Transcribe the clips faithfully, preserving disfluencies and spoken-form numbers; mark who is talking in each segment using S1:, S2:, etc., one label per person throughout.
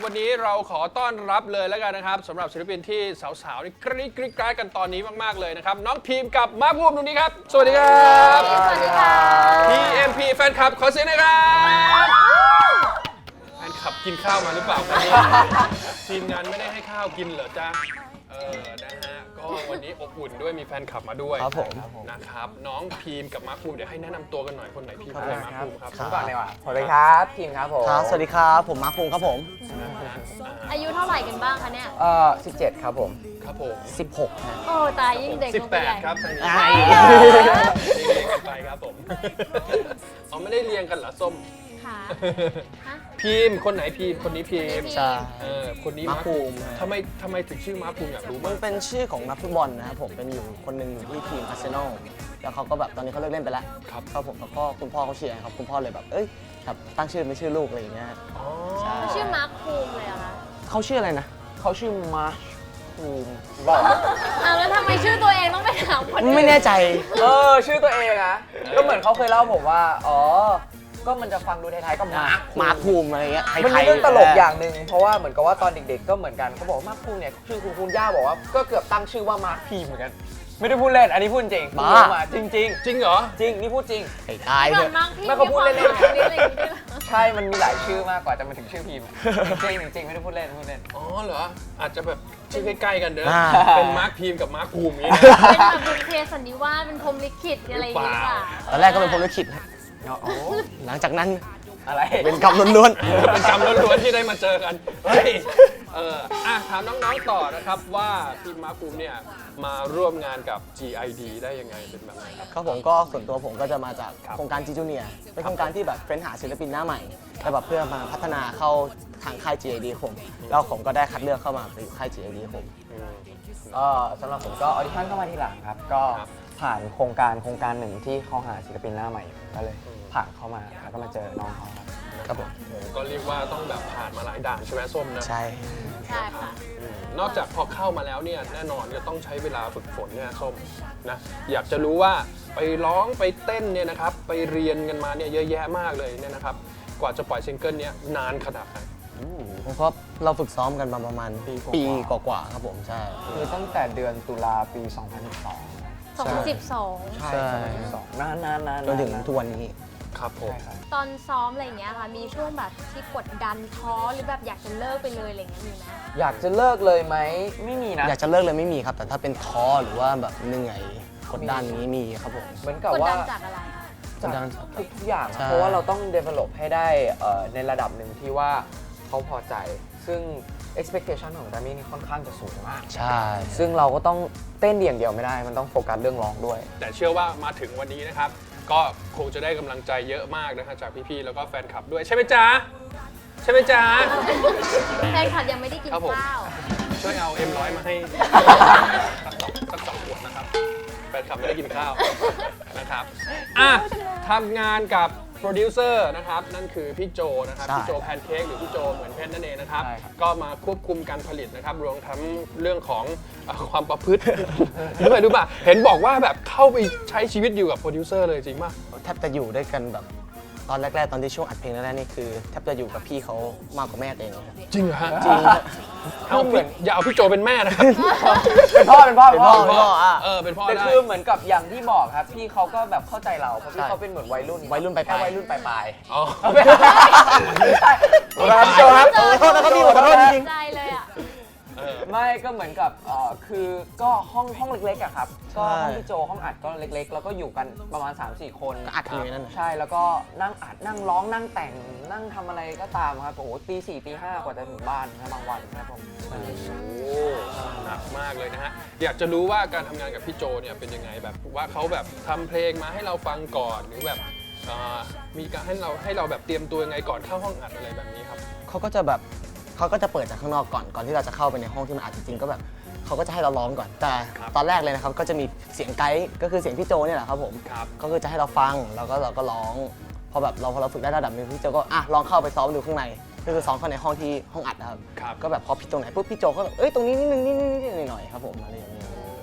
S1: วันนี้เราขอต้อนรับเลยแล้วกันนะครับสำหรับศิลปินที่สาวๆนี่กรี๊ดกรี๊ดกราดกันตอนนี้มากๆเลยนะครับน้องพีมกับมาร์คภูมิตรงนี้ครับสวัสดีครับ
S2: สวัสดีค่ะ
S1: พี เอ็ม พี แฟนคลับขอเสียงหน่อยครับแฟนคลับกินข้าวมาหรือเปล่าครับเนี่ยทีมงานไม่ได้ให้ข้าวกินเหรอจ๊ะเออนะฮะก็วันนี้อบอุ่นด้วยมีแฟนคลับมาด้วย
S3: ครับผม
S1: นะครับน้องพีมกับมาร์คภูมิเดี๋ยวให้แนะนำตัวกันหน่อยคนไหนพีมคนไหนมาร์คภูมิครับ
S3: ครับ
S2: ก่อนเลยว่ะสวัสดีครับทีมครับผม
S3: ครับสวัสดีครับผมมาร์คภูมิครับผม
S4: อายุเท่าไหร่กันบ้างคะเนี่ย
S2: เอ่อสิบเจ็ดครับผม
S1: ครับผม
S3: สิบหกนะ
S4: โอ้ตายยิ่งเด็ก
S1: สิบ
S4: ลง
S1: แป
S4: ไป
S1: ด
S4: ใหญ่
S1: ครับทางนี้
S3: อ่า
S1: เรียงกันไปครับผมเอาไม่ได้เรียงกันเหรอส้ม
S4: ค่ะฮะ
S1: พีมคนไหนพีมคนนี้พีม
S3: ใช่
S1: เออคนนี้
S3: มาร์คภูมิ
S1: ทำไมทำไมถึงชื่อมาร์คภูมิอยากรู้
S3: มั
S1: มาน ก
S3: เป็นชื่อของนักฟุตบอลนะครับผมเป็นอยู่คนหนึ่งอยู่ที่ทีมอาร์เซนอลแล้วเขาก็แบบตอนนี้เขาเลิกเล่นไปแล้ว
S1: ครับ
S3: ครับผมแล้วก็คุณพ่อเขาเชียร์ครับคุณพ่อเลยแบบเอ้ยแบบตั้งชื่อไม่ชื่อลูกอะไรอย่างเงี้ย
S1: อ๋อ
S3: ใช่
S4: ชื่อมาร์คภูมิเลยเหรอคะ
S3: เขาชื่ออะไรนะ
S2: เขาชื่อมาร์ชภูมิบอก
S4: อ้าวแล้วทำไมชื่อตัวเองต้องไปถามคนอื่น
S3: ไม่แน่ใจ
S2: เออชื่อตัวเองอะก็เหมือนเขาเคยเล่าผมว่าอ๋อก็มันจะฟังดูไทยๆก็มาร์ค
S3: มาร์คภูมิอะไรเงี้ยไทยๆ
S2: มันมีเรื่องตลกอย่างหนึ่งเพราะว่าเหมือนกับว่าตอนเด็กๆก็เหมือนกันเขาบอกว่ามาร์คภูมิเนี่ยชื่อคุณคุณย่าบอกว่าก็เกือบตั้งชื่อว่ามาร์คพีมเหมือนกันไม่ได้พูดเล่นอันนี้พูดจริง
S3: บ้า
S2: พูดมาจริงจริง
S1: จริงเหรอ
S2: ๆจริงนี่พูดจริง
S3: ไอ้ตาย
S4: ก่
S3: เถ
S4: อน
S3: อะ
S4: มาร์คพี่
S2: ไม่เขาพูดเล่นๆ
S4: มีความรู้อะไรอย่างงี้ด้วยเหรอ
S2: ใช่มันมีหลายชื่อมากกว่าจะมาถึงชื่อพีมจริงๆจริงๆไม่ได้พูดเล่นพูดเล่น
S1: อ๋อเหรออาจจะแบบชื่อใกล้ๆกันเด้อ
S3: อ่า
S1: เป็นมาร์คพีมกับมาร์คภูมิอย่างนี้นะ
S4: เป็นแบบบุญเพสันนิวาสเป็นพรหมลิขิตอะไรอย่างเงี้ย
S1: เปล่า
S3: ตอนแรกก็เป็นผมลิขิตนะ
S2: อ๋อ
S3: หลังจากนั้น
S2: อะไร
S3: เป็นกรรมล้วน
S1: เป็นกรรมล้วนๆที่ได้มาเจอกันเฮ้ยเอออ่ะถามน้องๆต่อนะครับว่าพี่มาร์คภูมิเนี่ยมาร่วมงานกับ จี ไอ ดี ได้ยังไงเป็นแบบไหนครับ
S3: ๆครับผมก็ส่วนตัวผมก็จะมาจาก
S1: ครับ
S3: โครงการจีจูเนียเป็นโครงการที่แบบเฟ้นหาศิลปินหน้าใหม่แล้วแบบเพื่อมาพัฒนาเข้าทางค่าย จี ไอ ดี ผมแล้วผมก็ได้คัดเลือกเข้ามาไปอยู่ค่าย จี ไอ ดี ผม
S1: อืม
S2: ก็สำหรับผมก็ออดิชั่นเข้ามาทีหลังครับ ก็
S1: ครับ
S2: ผ่านโครงการโครงการหนึ่งที่เขาหาศิลปินหน้าใหม่อยู่ก็เลย
S1: อืม
S2: ผ่านเข้ามาแล้วก็มาเจอน้องเขาครับ
S3: ครับผม
S1: โอ้ก็เรียกว่าต้องแบบผ่านมาหลายด่านใช่ไหมส้มนะ
S3: ใช่
S4: ใช่ค่ะ
S1: อืมนอกจากพอเข้ามาแล้วเนี่ยแน่นอนก็ต้องใช้เวลาฝึกฝนเนี่ยส้มนะอยากจะรู้ว่าไปร้องไปเต้นเนี่ยนะครับไปเรียนกันมาเนี่ยเยอะแยะมากเลยเนี่ยนะครับกว่าจะปล่อยซิงเกิลเนี้ยนานขนาดไหน
S3: เพราะเราฝึกซ้อมกันมาประมาณ
S2: ปีกว่า
S3: ปีกว่าๆครับผมใช่
S2: คือตั้งแต่เดือนตุลาปี สองพันสิบสอง
S4: สองพันสิบสอง
S2: ใช่
S3: ใช่
S2: สองพันสิบสองนานนานนาน
S3: จนถึงทุกวันนี้
S1: ครับผม
S2: ใช่ครับ
S4: ตอนซ้อมอะไรอย่างเงี้ยค่ะ มีช่วงแบบที่กดดันท้อหรือแบบอยากจะเลิกไปเลยอะไรอย่างเงี้ยมีไหม
S2: อยากจะเลิกเลยไหมไม่มีนะ
S3: อยากจะเลิกเลยไม่มีครับ แต่ถ้าเป็นท้อหรือว่าแบบเหนื่อยกดดันนี้มีครับผม
S2: เหมือนกับ
S4: กด
S2: ว่า
S4: ดันจากอะไรคะ
S3: กดดัน
S2: ทุกทุกอย่าง
S3: ใช่
S2: เพราะว่าเราต้อง develop ให้ได้เอ่อในระดับหนึ่งที่ว่าเขาพอใจ ซึ่ง expectation ของดามี่นี่ค่อนข้างจะสูงมาก
S3: ใช่
S2: ซึ่งเราก็ต้องเต้นอย่างเดียวไม่ได้ มันต้องโฟกัสเรื่องร้องด้วย
S1: แต่เชื่อว่ามาถึงวันนี้นะครับ ก็คงจะได้กำลังใจเยอะมากนะฮะจากพี่ๆแล้วก็แฟนคลับด้วยใช่ไหมจ๊ะใช่ไหมจ๊ะ
S4: แฟนคลับยังไม่ได้กิน
S1: ครับผม
S4: ข้าว
S1: ช่วยเอา เอ็ม ร้อย มาให้สักสองสักสองขวดนะครับแฟนคลับไม่ได้กินข้าวนะครับอ่ะทำงานกับโปรดิวเซอร์นะครับนั่นคือพี่โจนะครับ
S3: ใช่
S1: พี่โจแพนเค้กหรือพี่โจเหมือนเพชรนั่นเองนะครับ
S2: ใช่ครับ
S1: ก็มาควบคุมการผลิตนะครับรวมทั้งเรื่องของเอ่อความประพฤติ ด้วยรู้ป่ะเห็นบอกว่าแบบเข้าไปใช้ชีวิตอยู่กับโปรดิวเซอร์เลยจริงป่ะ
S3: แทบจะอยู่ด้วยกันแบบตอนแรกๆ ตอนที่ช่วงอัดเพลงแรกๆนี่คือแทบจะอยู่กับพี่เขามากกว่าแม่ตัวเองเลย
S1: จริงเหรอฮะ
S3: จริง
S1: เอาพี่อย่าเอาพี่โจเป็นแม่นะครับ
S2: เป็นพ่อเป็นพ่อ
S3: เป็นพ่อเป็นพ่ออ่ะ
S1: เออเป็นพ่อ
S2: แต่
S1: ได้
S2: คือเหมือนกับอย่างที่บอกครับ พี่เขาก็แบบเข้าใจเรา เพราะพี่
S3: ใช่
S2: เขาเป็นเหมือนวัยรุ่น
S3: วัยรุ่นปลายๆ
S2: แค่วัยรุ่นปลาย
S1: อ๋อ
S2: ๆไม่ใช่ครับโจครับ
S3: ขอโทษนะครับพี่ขอโทษจริง
S4: ใจเลยอ่ะ
S1: เออ
S2: ไม่ก็เหมือนกับเอ่อคือก็ห้องห้องเล็กๆอะครับ ก็
S3: ใช่
S2: ห้องพี่โจห้องอัดก็เล็กๆ แล้วก็อยู่กันประมาณ สามสี่ คน
S3: ก็อัดกันอยู่ในนั้นน่ะ
S2: ใช่แล้วก็นั่งอัดนั่งร้องนั่งแต่งนั่งทำอะไรก็ตามครับโอ้โหตีสี่ตีห้ากว่าจะถึงบ้านนะบางวันครับผม
S1: โอ้หนักมากเลยนะฮะ อยากจะรู้ว่าการทำงานกับพี่โจเนี่ยเป็นยังไงแบบว่าเขาแบบทำเพลงมาให้เราฟังก่อนหรือแบบเอ่อมีการให้เราให้เราแบบเตรียมตัวยังไงก่อนเข้าห้องอัดอะไรแบบนี้ครับ
S3: เขาก็จะแบบเขาก็จะเปิดจากข้างนอกก่อนก่อนที่เราจะเข้าไปในห้องที่มันอัดจริงๆก็แบบเขาก็จะให้เราร้องก่อนแต่
S1: ครับ
S3: ตอนแรกเลยนะครับก็จะมีเสียงไกด์ก็คือเสียงพี่โจเนี่ยแหละครับผม
S1: ครับ
S3: ก็คือจะให้เราฟังแล้วก็เราก็ร้องพอแบบเราพอเราฝึกได้ระดับหนึงพี่โจก็อ่ะลองเข้าไปซ้อมดูข้างในก็คือซ้อมเข้าในห้องที่ห้องอัดนะครับ
S1: ครับ
S3: ก็แบบพอผิดตรงไหนปุ๊บพี่โจก็แบบเอ้ยตรงนี้นิดนึงนิดนึงนิดนึงหน่อยๆครับผมอะไรอย่างเงี้ย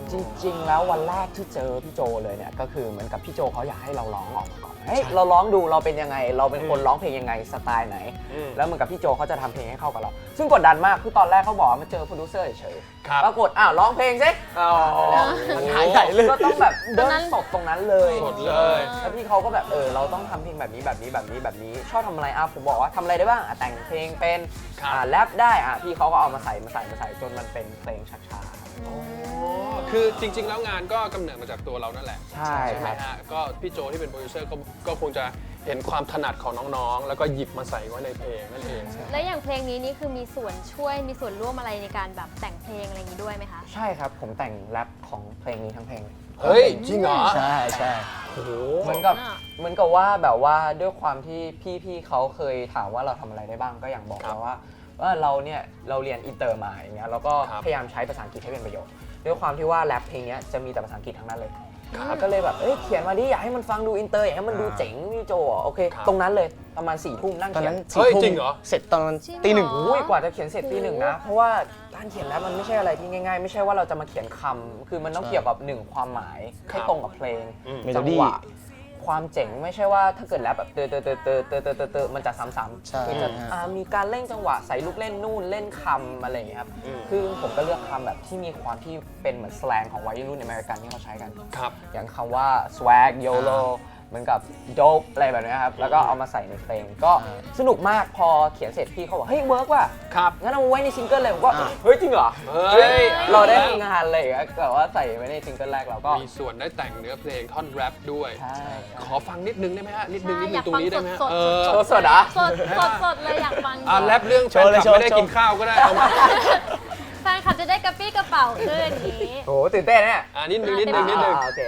S2: จริงๆแล้ววันแรกที่เจอพี่โจเลยเนี่ยก็คือเหมือนกับพี่โจเขาอยากให้เราร้องออกมาก่อนเฮ้ยเราร้องดูเราเป็นยังไงเราเป็นคนร้องเพลงยังไงสไตล์ไหน
S1: อืม
S2: แล้วเหมือนกับพี่โจเขาจะทำเพลงให้เข้ากับเรา ซึ่งกดดันมากคือตอนแรกเขาบอกว่ามาเจอโปรดิวเซอร์เฉย
S1: ครับ
S2: ๆปรากฏอ้าวร้องเพลงสิอ๋อ
S3: มันหายใหญ่เลย
S2: ก็ต้องแบบเดินสดตรงนั้นเลย
S1: สดเลย
S2: แล้วพี่เขาก็แบบเออเราต้องทำเพลงแบบนี้แบบนี้แบบนี้แบบนี้ชอบทำอะไรอ่ะผมบอกว่าทำอะไรได้บ้างอ่ะแต่งเพลงเป็น
S1: ครับ
S2: อ่าแรปได้อ่ะพี่เขาก็เอามาใส่มาใส่มาใส่จนมันเป็นเพลงช้าๆ
S1: อ๋อคือจริง ๆ แล้วงานก็กำเนิดมาจากตัวเรานั่นแหละ
S2: ใช่
S1: ไหม
S2: ครับ
S1: ฮะก็พี่โจที่เป็นโปรดิวเซอร์ก็ก็คงจะเห็นความถนัดของน้องๆ แล้วก็หยิบมาใส่ไว้ในเพลงนั่นเอง
S4: แล้วอย่างเพลงนี้นี่คือมีส่วนช่วยมีส่วนร่วมอะไรในการแบบแต่งเพลงอะไรอย่างนี้ด้วยไหมคะ
S2: ใช่ครับผมแต่งแรปของเพลงนี้ทั้งเพลงเลย
S1: เฮ้ย จริงเหรอ
S3: ใช่ใช่
S1: โอ้โห
S2: เหมือนกับ
S4: อ่า
S2: เหมือนกับว่าแบบว่าด้วยความที่พี่ๆเขาเคยถามว่าเราทำอะไรได้บ้างก็อย่างบอกเราว่าว่าเราเนี่ยเราเรียนอินเตอร์มาอย่างเงี้ยแล้วก็พยายามใช้ภาษาอังกฤษให้เป็นประโยชน์ด้วยความที่ว่าแรปเพลงเนี้ยจะมีแต่ภาษาอังกฤษทั้งนั้นเลยแล้วก็เลยแบบเอ้ยเขียนมาดิอยากให้มันฟังดูอินเตอร์อยากให้มันดูเจ๋งพี่โจอ่ะโอเค ตรงนั้นเลยประมาณสี่ทุ่มนั่ง
S3: ตอน
S2: เขีย
S3: นั้น น
S1: เฮ้ย
S3: สี่ทุ่ม
S1: จริงเหรอ
S3: เสร็จตอน
S4: จริงเหรอ
S3: ตีหนึ่ง
S2: อุ้ยกว่าจะเขียนเสร็จตีหนึ่งนะเพราะว่าการเขียนแรปมันไม่ใช่อะไรที่ง่ายๆ ไม่ใช่ว่าเราจะมาเขียนคำคือมันต้องเกี่ยวกับหนึ่งความหมายให้ตรงกับเพลง
S1: อืม
S2: จังหวะความเจ๋งไม่ใช่ว่าถ้าเกิดแรปแบบเตอเตอเตอเตอเตอเตอเตอเตอมันจะซ้ำ
S3: ใช่
S2: ๆคือจะ
S3: ฮะ
S2: อ่ามีการเล่นจังหวะใส่ลูกเล่นนู่นเล่นคำอะไรอย่างเงี้ยครับ
S1: อืม
S2: คือผมก็เลือกคำแบบที่มีความที่เป็นเหมือนสแลงของวัยรุ่นอเมริกันที่เขาใช้กัน
S1: ครับ
S2: อย่างคำว่า swag yolo เหมือนกับ dope อะไรแบบเนี้ยครับแล้วก็เอามาใส่ในเพลงก็สนุกมากพอเขียนเสร็จพี่เขาบอกเฮ้ยเวิร์กว่ะ
S1: ครับ
S2: งั้นเอามาไว้ในซิงเกิลเลยผมก็
S3: อ่า
S2: เฮ้ยจริงเหรอ
S1: เฮ้ย
S2: เราได้ทำงานเลยอะแบบว่าใส่ไว้ในซิงเกิลแรกเราก็
S1: มีส่วนได้แต่งเนื้อเพลงท่อนแรปด้วย
S2: ใช่
S1: ขอฟังนิดนึงได้ไหมฮะ นิดนึง
S4: ใช่
S1: นิดนึงตรงนี้ได้ไหมฮะ
S4: อยากฟัง
S1: เออ
S4: สด
S2: สดๆอ่ะ
S4: สดสดสดเลยอยากฟัง
S1: อ่ะแรปเรื่องแฟ
S3: โชว์
S1: น
S3: เลย
S1: คลับไม่ได้
S3: โชว์
S1: กินข้าวก็ได้เอามา
S4: แฟนคลับจะได้กระปี้กระเป๋าขึ้นอย่างนี้
S2: โหตื่นเต้นเนี่ย
S1: อ่านิดนึงนิดนึงนิดนึง
S2: อ่าโอเค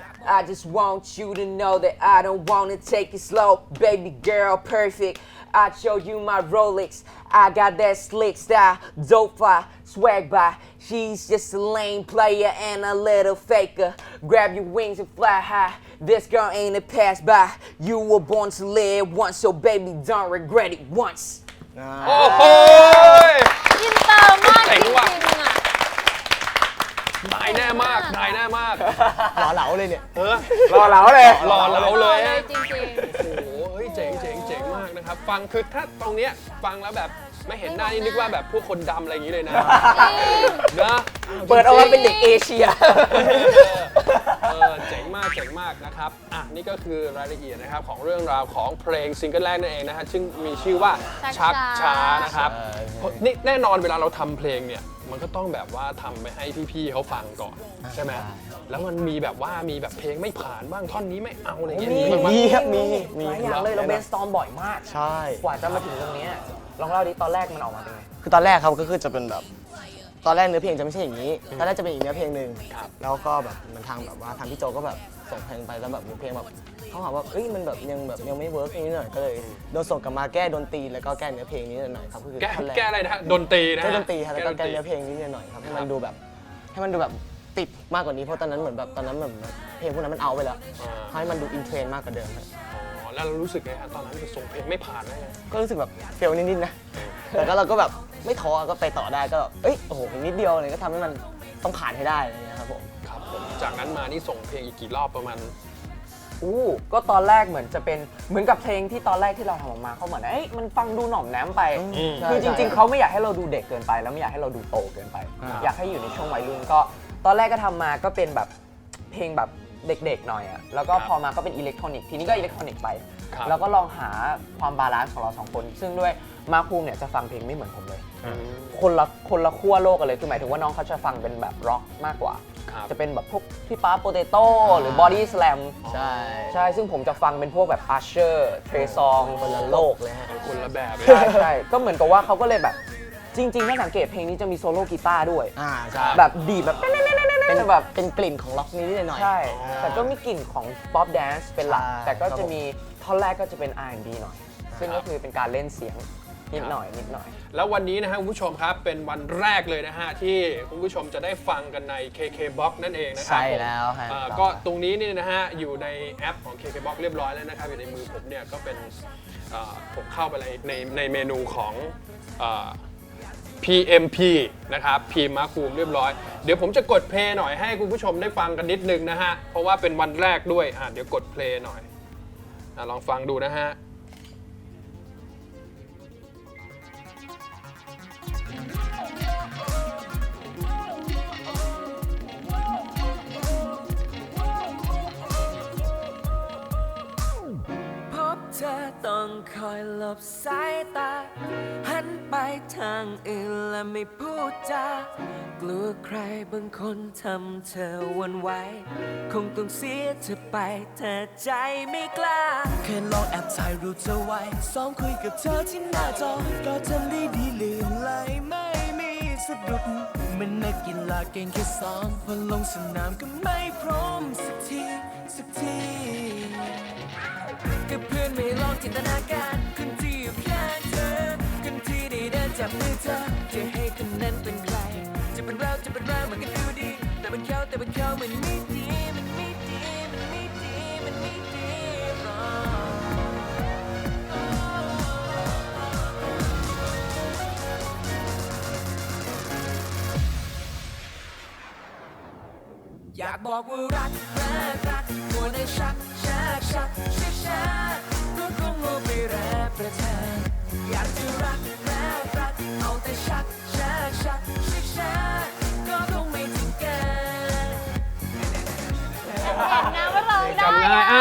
S2: I just want you to know that I don't wanna take it slow, baby girl, perfect. I show you my Rolex. I got that slick style, dope fly, swag by. She's just a lame player and a little faker. Grab your wings and fly high. This girl ain't a pass by. You were born to live once, so baby don't regret it once.
S1: โอ้โห
S4: อินเตอร์มากจ
S1: เจ๋
S4: ริ
S1: ง
S4: ง
S1: ว่ะ
S4: ๆอ่ะ
S1: ได้แน่มากได้แน่มาก
S3: หล่อเหลาเลยเนี่ย
S1: เออ
S2: รอเหลาเลย
S1: หล่อเหลาเลย
S4: เล
S1: ฮะ
S4: ยจริง
S1: โอ้โหเฮ้ยเจ๋งเจ๋งเจ๋งมากนะครับ ฟังคือถ้าตรงเนี้ยฟังแล้วแบบไม่เห็นหน้านี่นึกว่าแบบพวกคนดำอะไรอย่างนี้เลยนะ
S4: ๆจริง
S1: นะ
S2: เปิดออกมาเป็นเด็กเอเชีย
S1: เออเจ๋งมากเจ๋งมากนะครับอ่ะนี่ก็คือรายละเอียดนะครับของเรื่องราวของเพลงซิงเกิลแรกนั่นเองนะฮะซึ่งมีชื่อว่าชักช้านะครับเพราะนี่แน่นอนเวลาเราทำเพลงเนี่ยมันก็ต้องแบบว่าทำไปให้พี่ๆเขาฟังก่อนใช่ไหมแล้วมันมีแบบว่ามีแบบเพลงไม่ผ่านบ้างท่อนนี้ไม่เอาอะไรเงี้ย
S2: มี
S1: มีบ้าง
S3: มีครับมีมี
S2: หลายอย่างเลยเราเบนสตอมบ่อยมาก
S3: ใช่
S2: กว่าจะมาถึงตรงเนี้ยลองเล่าดิตอนแรกมันออกมาเป็นไง
S3: คือตอนแรกครับก็คือจะเป็นแบบ ตอนแรกเนื้อเพลงจะไม่ใช่อย่างนี้ ตอนแรกจะเป็นอีกเนื้อเพลงหนึ่ง
S1: ครับ
S3: แล้วก็แบบมันทางแบบว่าทางพี่โจก็แบบส่งเพลงไปแล้วแบบมีเพลงแบบเขาหาว่าเอ้ยมันแบบยังแบบยังไม่เวิร์กนิดหน่อยก็เลยโดนส่งกลับมาแก้ดนตรีแล้วก็แก้เนื้อเพลงนิดหน่อยครับก็คือ
S1: แก้
S3: ท่อนร
S1: แก้อะไรนะฮะดนตรีนะฮะ
S3: แก้ดนตรีครับแล้วก็แก้
S1: ดนตรี
S3: เนื้อเพลงนิดหน่อยครับให้มั
S1: ครั
S3: น
S1: บ
S3: ดูแบบให้มันดูแบบติดมากกว่านี้เพราะตอนนั้นเหมือนแบบตอนนั้นแบบเพลงพวกนั้นมันเอาไปแล้ว
S1: อ่า
S3: ให้มันดูอินเทรนด์มากกว่าเดิมครับ
S1: อ๋อแล้วเรารู้สึกไงฮะตอนนั้นส่งเพลงไม่ผ่านได้ไง
S3: ก็รู้สึกแบบเฟลนิดๆนะแต่ก็เราก็แบบไม่ท้อก็ไปต่อได้ก็แบบเอ้ยโอ้โหอีกนิดเดียวเลยก็ทำให้มันต้องผ่านให้ได้อะไรอย่างเงี้ยครับผม
S1: ครับผมจากนั้นมานี่ส่งเพลงอีกกี่รอบประมาณ
S2: อู้ก็ตอนแรกเหมือนจะเป็นเหมือนกับเพลงที่ตอนแรกที่เราทำออกมาเขาเหมือนเอ้ยมันฟังดูหน่อมแนมไป
S1: อืม
S2: คือจริงๆเขาไม่อยากให้เราดูเด็กเกินไป แล้วไม่อยากให้เราดูโตเกินไป อยากให้อยู่ในช่วงวัยรุ่นก็ตอนแรกก็ทำมาก็เป็นแบบเพลงแบบเด็กๆหน่อยอะแล้วก็พอมาก็เป็นอิเล็กทรอนิกส์ทีนี้ก็อิเล็กทรอนิกส์ไป
S1: ครับ
S2: แล้วก็ลองหาความบาลานซ์ของเราสองคน ซึ่งด้วยมาร์คภูมิเนี่ยจะฟังเพลงไม่เหมือนผมเลย
S1: อืม
S2: คนละคนละขั้วโลกกันเลยคือหมายถึงว่าน้องเขาจะฟังเป็นแบบร็อกมากกว่า
S1: ครับ
S2: จะเป็นแบบพวกพี่ป๊าโปเตโต้หรือบอดี้สแลม
S3: ใช่
S2: ใช่ ซึ่งผมจะฟังเป็นพวกแบบอาร์เชอร์เทรซอง
S3: คนละโลกเลยฮะ
S1: คนละแบบเลย
S2: ใช่ใช่ ก็เหมือนกับว่าเขาก็เลยแบบจริงๆถ้าสังเกตเพลงนี้จะมีโซโล่กีตาร์ด้วย
S3: อ่าใช่
S2: แบบดีดแบบ
S3: เป็น
S2: แบบ
S3: เป็นกลิ่นของล็อกนิดๆหน่อยๆ
S2: ใช่ แต่ก็มีกลิ่นของป๊อปแดนซ์เป็นหลัก
S3: ใช่
S2: แต่ก็
S3: ครับ
S2: จะ
S3: ผม
S2: มีท่อนแรกก็จะเป็น อาร์ แอนด์ บี หน่อย ซึ่งก็คือเป็นการเล่นเสียงนิดหน่อยนิดหน่อย
S1: แล้ววันนี้นะฮะคุณผู้ชมครับเป็นวันแรกเลยนะฮะที่คุณผู้ชมจะได้ฟังกันใน เค เค Box นั่นเองนะครั
S3: ใช่แล้วฮะ
S1: อ่าก็ตรงนี้นี่นะฮะอยู่ในแอปของ เค เค Box เรียบร้อยแล้วนะครับอยู่ในมือผมเนี่ยก็เป็นอ่าผมเข้าไปในในในเมนูของอ่าพี เอ็ม พี นะครับพีมมาคูมเรียบร้อยเดี๋ยวผมจะกดเพลย์หน่อยให้คุณผู้ชมได้ฟังกันนิดนึงนะฮะเพราะว่าเป็นวันแรกด้วยอ่ะเดี๋ยวกดเพลย์หน่อยอ่ะลองฟังดูนะฮะ
S5: พบเธอต้องคอยหลบสายตา หันไปทางอื่นและไม่พูดจากลัวใครบางคนทำเธอหวันไหวคงต้องเสียเธอไปแต่ใจไม่กล้าแค่ลองแอบถ่ายรูปเธอไว้ซ้อมคุยกับเธอที่หน้าจอก็ทำได้ดีลืมเลยไม่มีสะดุดมันนักกีฬาเก่งแค่ซ้อมพอลงสนามก็ไม่พร้อมสักทีสักทีกับเพื่อนไม่ลองจินตนาการคนที่อยู่ข้างเธอคนที่ได้เดินจับมือเธอจะให้คนนั้นเป็นใครจะเป็นเราจะเป็นเรามันก็ดูดีแต่เป็นเขาแต่เป็นเขามันไม่ดีมันไม่ดีมันไม่ดีมันไม่ดีหรอกอยากบอกว่ารักรักรักมัวแต่ชักชักชักชักชักก็คงโง่ไปแรบประทานอยากจะรักรักรักเอาแต่ชักชักชักชักชักก็คงไม่ถึงกัน
S4: เห็นนะว่าร้องได้
S1: จำง่าย
S4: อะ
S1: อ้าว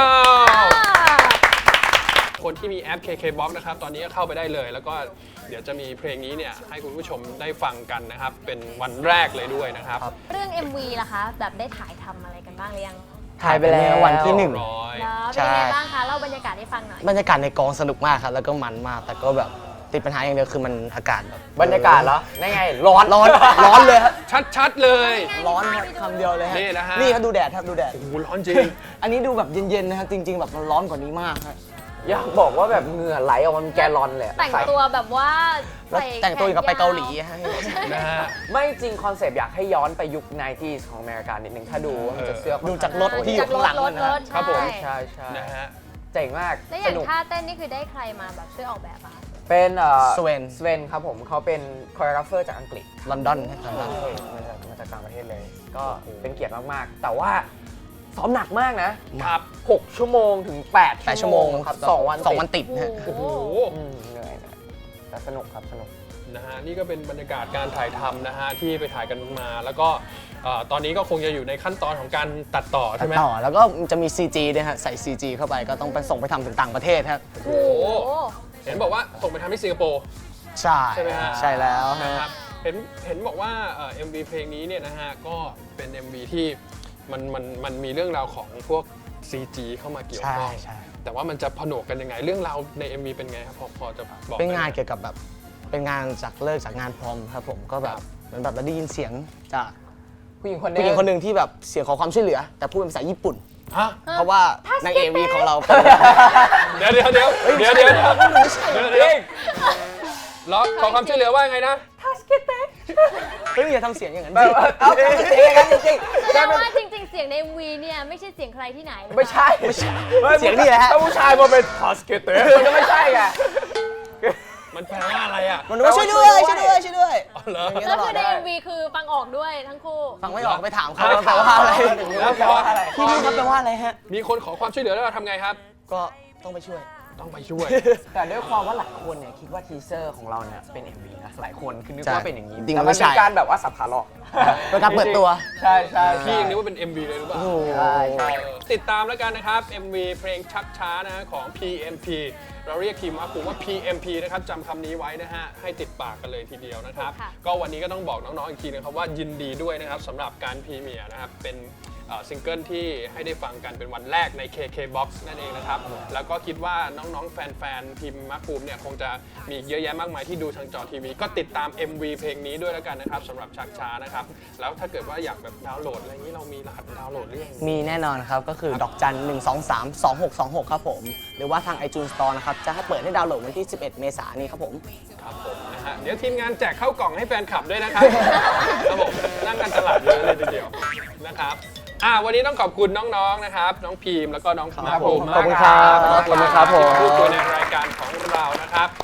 S4: อ่า
S1: คนที่มีแอป เค เค บ็อกซ์ นะครับ ตอนนี้ก็เข้าไปได้เลย แล้วก็เดี๋ยวจะมีเพลงนี้เนี่ยให้คุณผู้ชมได้ฟังกันนะครับ เป็นวันแรกเลยด้วยนะครับ
S4: เรื่อง เอ็ม วี ล่ะคะ แบบได้ถ่ายทำอะไรกันบ้างหรือยัง
S3: ถ่ายไปแล้ววันที่หนึ่ง
S1: ร้อย
S4: แล้ว
S3: ใช่
S4: เป็นยังไงบ้างคะเล่าบรรยากาศให้ฟังหน่อย
S3: บรรยากาศในกองสนุกมากครับแล้วก็มันมากแต่ก็แบบติดปัญหาอย่างเดียวคือมันอากาศแบบ
S2: บรรยากาศเหรอได้ไง ร้อน
S3: ร้อนร้อนเลยครับ
S1: ชัดๆเลย
S3: ร้อนครับคำเดียวเลยฮะ
S1: นี่นะฮะ
S3: นี่ครับดูแดดครับดูแดด
S1: โอ้โหร้อนจริง
S3: อันนี้ดูแบบเย็นๆนะครับจริง ๆ แบบมันร้อนกว่านี้มากครับ
S2: อยากบอกว่าแบบเหงื่อไหลออกมาเป็นแกลลอนเลยอะ
S4: แต่ง
S2: ใส่
S4: ตัวแบบว่า
S3: แล้ว
S4: ใส่
S3: แต่งตัวอย่างกับไปเกาหลี
S4: แขนยว
S3: ฮะ
S1: นะฮะ
S2: ไม่จริงคอนเซปต์อยากให้ย้อนไปยุค ไนน์ตี้ ของอเมริกานิดนึงถ้าดูว่ามันจะเสื้อ
S3: ดูจากรถที่อยู่ข้างหลัง
S4: รถ
S3: นะ
S4: ร
S3: ฮะ
S4: ถ
S1: ครับผม
S4: ใช่
S2: ใช่ใช่
S1: นะฮะ
S2: เจ๋งมาก
S4: แล้วอ
S2: ส
S4: ย่าง
S2: นุก
S4: ท่าเต้นนี่คือได้ใครมาแบบช่วยออกแบบอะคะ
S2: เป็นเอ่อ
S3: สเวน
S2: สเวนครับผมเขาเป็นคอเรกราฟเฟอร์จากอังกฤษ
S3: ลอนดอนฮะลอนดอน
S2: มาจากมาจากต่างประเทศเลย ก็เป็นเกียรติมาก ๆ แต่ว่าซ้อมหนักมากนะครับ หกชั่วโมงถึงแปด
S3: แปดชั่วโมง
S2: ครับสองวัน
S3: สองวัน
S2: ติด
S3: ติดฮะ
S4: โอ้โห
S2: อืมเหนื่อยนะแต่สนุกครับสนุก
S1: นะฮะนี่ก็เป็นบรรยากาศการถ่ายทำนะฮะที่ไปถ่ายกันมา แล้วก็เอ่อตอนนี้ก็คงจะอยู่ในขั้นตอนของการตัดต่อ
S3: ตั
S1: ใช่
S3: ด
S1: ไหม
S3: ต่อแล้วก็จะมี ซี จี ด้วยฮะใส่ ซี จี เข้าไปก็ต้องไปส่งไปทำถึงต่างประเทศครับ
S4: โอ้โห
S1: เห็นบอกว่าส่งไปทำที่สิงคโปร์
S3: ใช่
S1: ใช่ไหมฮะ
S3: ใช่แล้วฮะ
S1: นะครับเห็นเห็นบอกว่าเอ่อ เอ็ม วี เพลงนี้เนี่ยนะฮะก็เป็น เอ็ม วี ที่มันมันมันมีเรื่องราวของพวก ซี จี เข้ามาเกี่ยว
S3: ใช่
S1: ข้อง
S3: ใช่
S1: แต่ว่ามันจะผนวกกันยังไงเรื่องราวใน เอ็ม วี เป็นไงครับพอพอจะบอก
S3: เป็นงาน
S1: ได้ไหม
S3: เกี่ยวกับแบบเป็นงานจากเลิกจากงานพรอมครับผมก็แบ
S1: ครับ บ
S3: เหมือนแบบเราได้ยินเสียงจาก
S2: ผู้หญิงคนนึ
S3: ผู้
S2: ง
S3: หญิงคนหนึ่งที่แบบเสียงขอความช่วยเหลือ แต่พูดเป็นภาษาญี่ปุ่น
S1: ฮะ
S3: เพราะว่านางเอวีของเราเป็น
S1: เดี๋ยวเดี๋ยวเดี๋ยวเดี๋ยวเดี๋ยวเดี๋ยวเดี๋ยวเดี๋ยวร้องขอความช่วยเหลือว่าไงนะ
S3: เฮ้ยอย่าทำเสียงอย่างนั้น
S2: แบ
S3: ดิ
S2: บเอาจริงๆกันจริงๆ
S4: แต่
S2: ได้เป็น
S4: ว่าจริง ๆ เสียงใน เอ็ม วี เนี่ยไม่ใช่เสียงใครที่ไหน
S2: ไม่ใช่
S3: เสียงนี่แหละฮะ
S2: ถ้าผู้ชายมาเป็นทาสเกตเตอร์มันก็ไม่ใช่ไง
S1: มันแปลว่าอะไรอ่ะ
S3: มันว่าช่วยด้วยช่วยด้วยช่วยด้วย
S1: อ๋อเหรอ
S3: อย่างเงี้ย
S4: แล้
S3: ต
S4: ว
S3: ลอ
S4: คื
S3: ด
S4: อใน เอ็ม วี คือฟังออกด้วยทั้งคู่
S3: ฟังไม่ออกไปถามเขา
S1: อ่ะ
S3: แปลว่าอะไร
S1: แล้วพอ
S3: พี่นี่ครับแปลว่าอะไรฮะ
S1: มีคนขอความช่วยเหลือแล้วเราทำไงครับ
S3: ก็ต้องไปช่วย
S1: ต้องไปช่วย
S2: แต่ด้วยความว่าหลายคนเนี่ยคิดว่าทีเซอร์ของเราเนี่ยเป็น เอ็ม วี นะหลายคนคือนึก
S3: ใช่
S2: ว่าเป็นอย่างนี้
S3: จริงๆ
S2: แต่
S3: ไม่
S2: มัน
S3: ใช่
S2: เป็นการแบบว่าสับขาหลอก
S3: เป็นการเปิดตัว
S2: ใช่ใช่
S1: พี่ยังนึกว่าเป็น เอ็ม วี เลยหรือเปล่า
S3: โอ้โห
S2: ใช่ใช่
S1: เออติดตามแล้วกันนะครับ เอ็ม วี เพลงชักช้านะของ พี เอ็ม พี เราเรียกทีมว่าผมว่า พี เอ็ม พี นะครับจำคำนี้ไว้นะฮะ ให้ติดปากกันเลยทีเดียวนะครับ
S4: ค่ะ
S1: ก็วันนี้ก็ต้องบอกน้องๆอีกทีนะครับว่ายินดีด้วยนะครับสำหรับการพรีเมียร์นะครับ เป็นเอ่อซิงเกิลที่ให้ได้ฟังกันเป็นวันแรกใน เค เค บ็อกซ์ นั่นเองนะครับ แล้วก็คิดว่าน้องๆ แฟนๆ ทีมมาร์คภูมิเนี่ยคงจะมีอีกเยอะแยะมากมายที่ดูทางจอทีวี ก็ติดตาม เอ็ม วี เพลงนี้ด้วยแล้วกันนะครับสำหรับชักช้านะครับ แล้วถ้าเกิดว่าอยากแบบดาวน์โหลดอะไรอย่างนี้เรามีรหัสดาวน์โหลดหรือยัง
S3: มีแน่นอนครับ ก็คือดอกจันหนึ่งสองสามสองหกสองหกครับผม หรือว่าทาง iTunes Store นะครับ จะให้เปิดให้ดาวน์โหลดวันที่ สิบเอ็ด เมษายนนี้ครับผม
S1: ครับผมนะฮะเดี๋ยวทีมงานแจกข้าวกล่องให้แฟนคลับด้วยนะครับ ครับผมนั่งกันตลาดเยอะเลยทีเดียวนะครับอ่าวันนี้ต้องขอบคุณน้องๆนะครับ น้องพีมแล้วก็น้อง
S3: ครับ
S1: มาภูมิ
S3: ขอบคุณ
S1: มาก
S3: ครับ
S1: ขอบคุณครับ
S3: ขอบคุณครับผม
S1: ที่พูดคุยในรายการของเรานะครับ